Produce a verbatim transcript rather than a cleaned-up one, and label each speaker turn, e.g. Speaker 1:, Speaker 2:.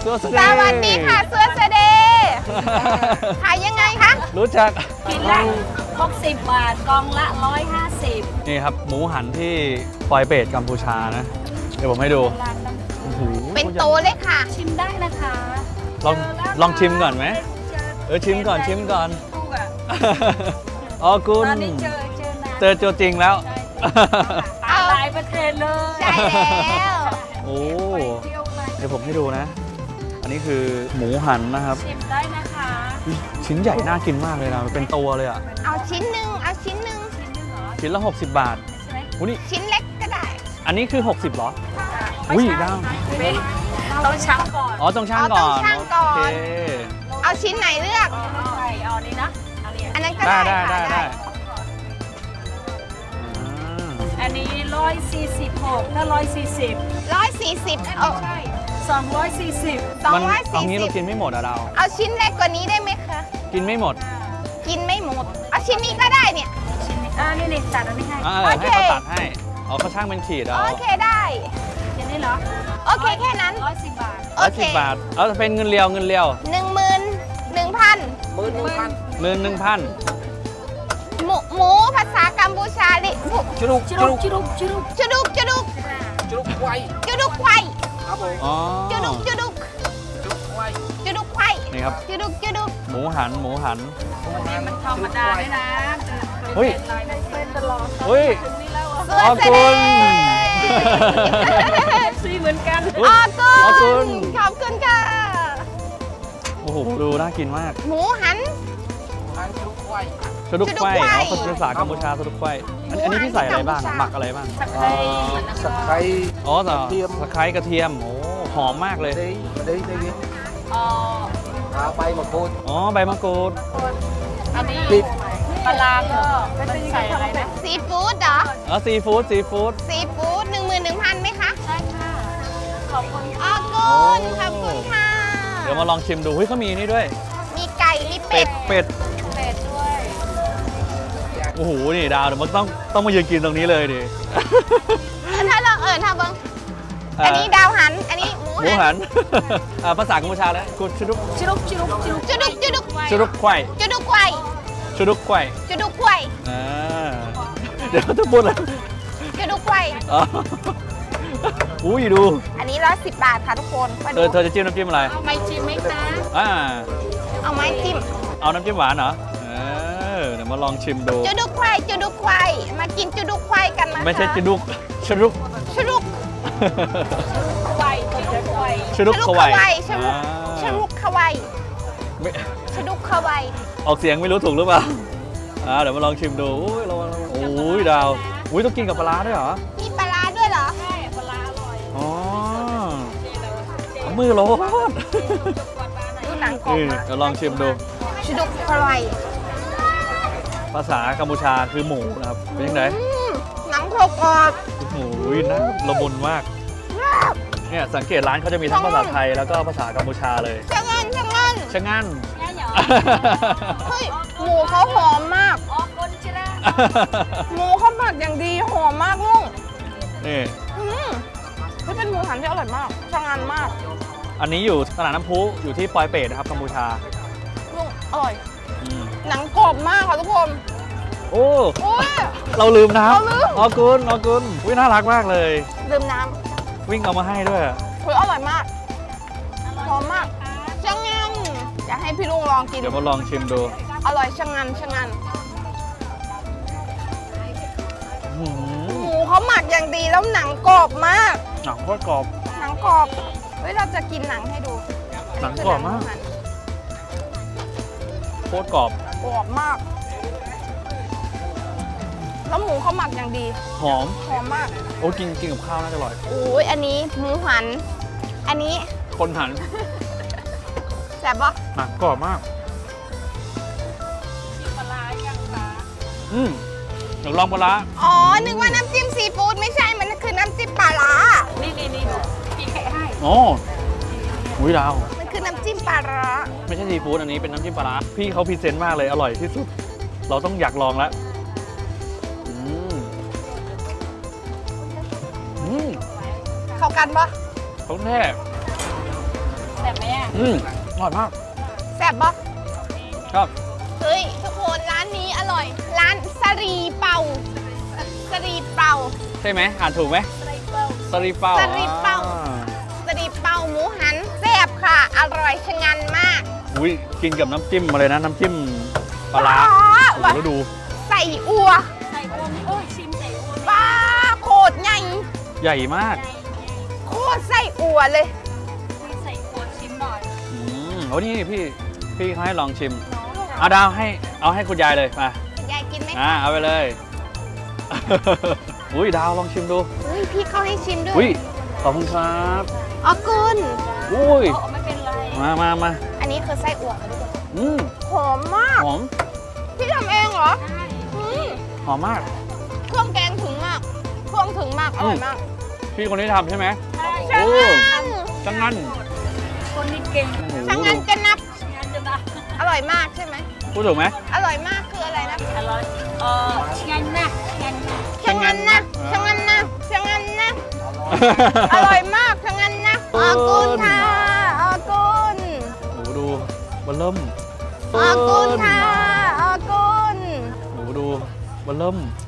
Speaker 1: สวัส
Speaker 2: สวัสดีค่ะเสื้อเสเดขายยังไงคะ
Speaker 1: รู้จัก
Speaker 3: กินละหกสิบบาทกองละร้อยห้าสิบ
Speaker 1: นี่ครับหมูหันที่ปอยเปตกัมพูชานะ เดี๋ยวผมให้ดูโอ้โห
Speaker 2: เป็นโตเลยค่ะ
Speaker 3: ชิมได้นะคะ
Speaker 1: ลองลองชิมก่อนไหมเออชิมก่อนชิมก่อน
Speaker 3: ถูกอ่ะ
Speaker 1: อ๋อคุณ
Speaker 3: ตอนนี้เจอเจอนาน
Speaker 1: เจอตัวจริงแล้ว
Speaker 3: ตาหลายประเทศเลย
Speaker 2: ใช่แล้ว
Speaker 1: โอ้
Speaker 3: เที่ยวเลย
Speaker 1: เดี๋ยวผมให้ดูนะ อันนี้คือหมูหันนะครับ
Speaker 3: ชิมได้นะคะ
Speaker 1: ชิ้นใหญ่น่ากินมากเลยนะเป็นตัวเลยอ่ะ
Speaker 2: เอาชิ้นหนึ่งเอาชิ้นหนึ่ง
Speaker 3: ชิ้นหนึงเหรอ
Speaker 1: ชิ้นละ หกสิบบาท
Speaker 3: ใช่ไหม
Speaker 1: อุ้ยนี่
Speaker 2: ชิ้นเล็กก็ได้
Speaker 1: อันนี้คือ หกสิบเหรอ
Speaker 3: ไม่
Speaker 1: อุ้ย
Speaker 3: ใช่
Speaker 1: ดาว
Speaker 3: ไม่ต้องชั่งก่อน
Speaker 1: อ๋อต้องช่าง
Speaker 2: อ๋อ
Speaker 1: ก่
Speaker 2: ต้
Speaker 1: อ
Speaker 2: อง
Speaker 1: น
Speaker 2: ชั่งก่อน
Speaker 1: โอเค
Speaker 2: เอาชิ้นไหนเลือก
Speaker 3: ใช่เอานี้นะเอานี้
Speaker 2: อันนั้นก็
Speaker 1: ได้
Speaker 2: ได้
Speaker 1: ได้
Speaker 2: ค่ะ
Speaker 1: ได้ได้
Speaker 2: ได้
Speaker 1: อ่า
Speaker 3: อันนี้ร้อยสี่สิบหกถ้าร้อยสี่สิบ
Speaker 2: ร้อยสี่สิบ
Speaker 3: ไม่
Speaker 2: เอา
Speaker 3: ใช่สองร้อยสี่สิบ
Speaker 2: สอง
Speaker 1: มัน
Speaker 2: ร้อย
Speaker 1: เอา
Speaker 2: สี่
Speaker 1: งี้
Speaker 2: สิ
Speaker 1: เรา
Speaker 2: บ
Speaker 1: กินไม่หมดอะเรา
Speaker 2: เอาชิ้นเล็กกว่านี้ได้ไหมคะ
Speaker 1: กินไม่หมด
Speaker 2: กินไม่หมด เอาชิ้นนี้ก็ได้เนี่ย
Speaker 3: ชิ้นนี้อ่านี่นี่ตัดอันนี้ให้
Speaker 1: อ่า
Speaker 2: โอเค
Speaker 1: ให้เขาตัดให้อ๋อเขาช่างเป็นขีดเอา
Speaker 2: โอเคได้
Speaker 3: ชิ้นนี้เหรอ
Speaker 2: โอเคแค่นั้น
Speaker 3: ร้อยสิบบาท
Speaker 2: โอ
Speaker 1: ร้อย
Speaker 2: เค
Speaker 1: สิบบาทเอาเป็นเงินเรียวเงินเรียว
Speaker 2: หนึ่งหมื่นหนึ่งพัน
Speaker 1: หมื่นหนึ่งพัน
Speaker 2: หมูหมูภาษากัมพูชาดิหมู
Speaker 1: จุลุก
Speaker 3: ชิรุกชิรุกชิรุก
Speaker 2: จุดุกจุดุก
Speaker 4: จุกไว
Speaker 2: จุดุกไข่
Speaker 4: ครับผม
Speaker 1: อ๋อ
Speaker 2: จุดุกจุดุก
Speaker 4: จุกไว
Speaker 2: จุดุกไข่
Speaker 1: นี่ครับ
Speaker 2: จุดุกจุดุก
Speaker 1: หมูหันหมูหัน
Speaker 3: วันนี้มันธรรมดาด้วยนะ
Speaker 1: เฮ้ย
Speaker 3: เป็นตลอด
Speaker 1: เฮ้ย
Speaker 3: ถึงนี่แล้ว
Speaker 2: เสื้อ
Speaker 1: ขอบ
Speaker 2: เส
Speaker 1: คุ
Speaker 2: ด็
Speaker 1: ณ
Speaker 2: จ
Speaker 3: ซีเหมือนกัน
Speaker 1: อุ๊ย
Speaker 2: อ๋อกุ
Speaker 1: ขอบคุ
Speaker 2: ณ
Speaker 1: ณ
Speaker 2: ขอบคุณค่ะ
Speaker 1: โอ้โหดูน่ากินมาก
Speaker 2: หมูหัน
Speaker 4: ทางจุกไว
Speaker 1: สะดุก
Speaker 2: สะดุก
Speaker 1: ไข่
Speaker 2: ไขว้
Speaker 1: อ๋อภาษากัมพูชาสะดุกไข่อันอันนี้พี่ใส่อะไรบ้าง
Speaker 2: หมูหัน
Speaker 1: หมักอะไรบ้าง
Speaker 3: ตะไคร้
Speaker 4: สไคร
Speaker 1: อ๋อแต่
Speaker 4: กระเทียม
Speaker 1: ตะไคร้กระเทียมโอ้หอมมากเลย
Speaker 4: ได้ได้ได้ยิน
Speaker 3: อ๋อ
Speaker 4: เอาไปมาโคตร
Speaker 1: อ๋อใบมะกรูด
Speaker 3: อันนี้
Speaker 4: ปิด
Speaker 3: ปลาร้าก็มันใส่อะไรนะ
Speaker 2: ซีฟู้ดเหรอ
Speaker 1: อ๋อซีฟู้ดซีฟู้ด
Speaker 2: ซีฟู้ดหนึ่งหมื่นหนึ่งพันไหมคะ
Speaker 3: ใช่ค่ะ ขอบคุณ
Speaker 2: อ๋อกุณขอบคุณค่ะ
Speaker 1: เดี๋ยวมาลองชิมดูเฮ้ยเขามีนี่ด้วย
Speaker 2: มีไก่มี
Speaker 1: เป็
Speaker 2: เป็
Speaker 1: ด
Speaker 2: ด
Speaker 1: เป็ด
Speaker 3: เป็ดด้วย
Speaker 1: โอ้โหนี่ดาวเดี๋ยวมันต้องต้องมายืนกินตรงนี้เลยดิ
Speaker 2: เออถ้าลองเออถ้าเบิ้งอันนี้ดาวหัน อันนี้หมู
Speaker 1: หมู
Speaker 2: หั
Speaker 1: หั
Speaker 2: น
Speaker 1: น อ่าภาษากัมพูชาแล้วกูชุดุก
Speaker 3: ชิรุกชิรุกชิรุก
Speaker 2: จุดุกจุดุก
Speaker 1: ชุดุกไข่
Speaker 2: จุดุกไข่
Speaker 1: ชุดุกไข่
Speaker 2: จุดุกไข่
Speaker 1: อ่าเดี๋ยวจะพูดอะไร
Speaker 2: จุดุกไข่
Speaker 1: อ๋ออุ้ยดู
Speaker 2: อันนี้ร้อยสิบบาทค่ะทุกคนมา
Speaker 1: เธ
Speaker 2: ดู
Speaker 1: อเธอจะจิ้มน้ำจิ้มอะไร
Speaker 3: เอาไม่ชิมไหมคะ
Speaker 1: อ่า
Speaker 2: เอาไม้จิ้ม
Speaker 1: เอาน้ำจิ้มหวานเหรอเออเดี๋ยวมาลองชิมดู
Speaker 2: จุดุกไข่จุดุกไข่มากินจุดุกไข่กันนะคะ
Speaker 1: ไม่ใช่ชุดุกชุดุก
Speaker 2: จุดุก
Speaker 3: ไวชิรุกไว
Speaker 1: ชุดุก
Speaker 2: จุ
Speaker 1: เขา
Speaker 2: ก
Speaker 1: ไว
Speaker 2: เขาไวจุดุก
Speaker 1: อ่า
Speaker 2: จุดุกเขาไว
Speaker 1: ไม่
Speaker 2: จุดุกเขาไว
Speaker 1: ออกเสียงไม่รู้ถูกหรือเปล่าอ่าเดี๋ยวมาลองชิมดูอุ้ยระวังระวังโอ้ยดาวอุ้ยต้องกินกับปลาร้าด้วยเหรอ
Speaker 2: มีปลาร้าด้วยเหรอ
Speaker 3: ใช่ปลาร้าอร่อย
Speaker 1: อ๋อ
Speaker 3: นี่เราเจ๊
Speaker 1: เอามือโลด
Speaker 3: จุกกวาดปลาไหน
Speaker 2: ดูหนังกรอ
Speaker 1: เอบ อ
Speaker 2: มาก
Speaker 1: เดี๋ยวลองชิมดู
Speaker 2: จุดุกเขาไว
Speaker 1: ภาษากัมพูชาคือหมูนะครับ เป็นยังไง
Speaker 2: อืมหนังกรอบกรอบ
Speaker 1: หมูน่าละมุนมาก เนี่ยสังเกตร้านเขาจะมีทั้งภาษาไทยแล้วก็ภาษากัมพูชาเลย
Speaker 2: ชะงันชะงัน
Speaker 1: ชะงั่น
Speaker 3: ง่ายเหรอ
Speaker 2: เฮ้ยหมูเขาหอมมาก
Speaker 3: ออกคนใช่ไหม
Speaker 2: หมูเขาหมักอย่างดีหอมมากลุง
Speaker 1: นี่
Speaker 2: อืมนี่เป็นหมูหันที่อร่อยมากชะงันมาก
Speaker 1: อันนี้อยู่ตลาดน้ำพุอยู่ที่ปอยเปตนะครับกัมพูชา
Speaker 2: ลุงอร่อย
Speaker 1: อืม
Speaker 2: หนังกรอบมากค่ะทุกคน
Speaker 1: โอ้
Speaker 2: โอ้ย
Speaker 1: เราลืมน้
Speaker 2: เราลืม
Speaker 1: ำออกุลออกุลวิน่ารักมากเลย
Speaker 2: ดื่มน้
Speaker 1: วิ่งเอามาให้ด้วย
Speaker 2: ำเฮ้ยอร่อยมากหอมมากชะงันอยากให้พี่ลุงลองกิน
Speaker 1: เดี๋ยวมาลองชิมดู
Speaker 2: อร่อยชะงันชะงัน
Speaker 1: อื้อหือ
Speaker 2: หมูเขาหมักอย่างดีแล้วหนังกรอบมาก
Speaker 1: หนังโคตรกรอบ
Speaker 2: หนังกรอบเฮ้ยเราจะกินหนังให้ดู
Speaker 1: หนังกรอบมาก โคตรกรอบ
Speaker 2: กรอบมาก แล้วหมูเขาหมักอย่างดี
Speaker 1: หอม
Speaker 2: หอมมาก
Speaker 1: โอ้กินกินกับข้าวน่าจะอร่อย
Speaker 2: โอ้ยอันนี้หมูหัน อันนี้
Speaker 1: คนหัน
Speaker 2: แซ่บปะ
Speaker 1: หนังกรอบมาก
Speaker 3: ปลาร้ายังคะ
Speaker 1: อืมเดี๋ยวลองปลาร้า
Speaker 2: อ๋อ นึกว่าน้ำจิ้มซีฟู้ดไม่ใช่ มันคือน้ำจิ้มปลาร้า
Speaker 3: นี่นี่นี่พี่แกะให้
Speaker 1: โอ้หุยดาว
Speaker 2: มันคือน้ำจิ้มปลาร้า
Speaker 1: ไม่ใช่ซีฟู้ดอันนี้เป็นน้ำจิ้มปลาร้าพี่เขาพรีเซนต์มากเลยอร่อยที่สุด เราต้องอยากลองแล้วอืมอืม
Speaker 2: เข้ากันปะ
Speaker 1: เขาแท้
Speaker 3: แต่บไหมอ่ะ
Speaker 1: อืมอร่อยมาก
Speaker 2: แซ่บปะ
Speaker 1: ครับ
Speaker 2: เฮ้ย ทุกคนร้านนี้อร่อย ร้านสรีเป่าสรีเป่า
Speaker 1: ใช่ไหมอ่านถูกไหม
Speaker 3: ไส้เปิ้ล
Speaker 1: สลีเป้า
Speaker 2: สลีเป้า
Speaker 1: อ่
Speaker 2: สรีเป่าหมูหันแซ่บค่ะ อร่อยชะงันมาก
Speaker 1: อุ้ยกินกับน้ำจิ้มมาเลยนะ น้ำจิ้มปลาร้า
Speaker 2: อ๋อ
Speaker 1: โอ้โหแล้วดู
Speaker 2: ใส่อัว
Speaker 3: ไส้อ้วนโอ้ยชิมไส้อ้วน
Speaker 2: ป้าโคตรใหญ่
Speaker 1: ใหญ่มาก
Speaker 2: โคตรใส่อัวเลย
Speaker 3: มีไส้อ้วนชิมหน่อย
Speaker 1: อืมโอ้นี่พี่พี่เขาให้ลองชิมเอาดาวให้เอาให้คุณยายเลยมาย
Speaker 2: ายกินไหม
Speaker 1: อ่า
Speaker 2: คะ
Speaker 1: เอาไปเลย อุ้ยดาวลองชิมดู
Speaker 2: เฮ้ย พี่เขาให้ชิมด้ว
Speaker 1: อุ้
Speaker 2: ย
Speaker 1: ยขอบคุณครับ
Speaker 2: อ๋อกุน
Speaker 1: อุ้ย
Speaker 3: โอ้ไม่เป็นไร
Speaker 1: มามามา
Speaker 2: อันนี้คือไส้อั่วค่ะทุกคน
Speaker 1: อืม
Speaker 2: หอมมาก
Speaker 1: หอม
Speaker 2: พี่ทำเองเหรอ
Speaker 3: ใช่
Speaker 2: อืม
Speaker 1: หอมมาก
Speaker 2: เครื่องแกงถึงมาก เครื่องถึงมาก อร่อยมาก
Speaker 1: พี่คนที่ทำใช่ไหม
Speaker 3: ใช่
Speaker 2: ช่าง
Speaker 1: โอ้
Speaker 2: งัน
Speaker 1: จังงั้น
Speaker 3: คนนี้เก่ง
Speaker 1: โอ้โห
Speaker 2: ช่างงันจะนับ
Speaker 3: งั้นจะนะ
Speaker 2: อร่อยมากใช่ไหม
Speaker 1: พูดถูกไหม
Speaker 2: อร่อยมากคืออะไรนะ
Speaker 3: อร่อยเอองั้นนะงั้นนะ
Speaker 2: ช่างงันนะช่างงันนะช่างงันนะ อร่อยมากช่างงันนะอากุนค่ะอากุน
Speaker 1: โอ้โหดูมันเริ่ม
Speaker 2: อากุนค่ะอากุน
Speaker 1: โอ้โหดูมันเริ่ม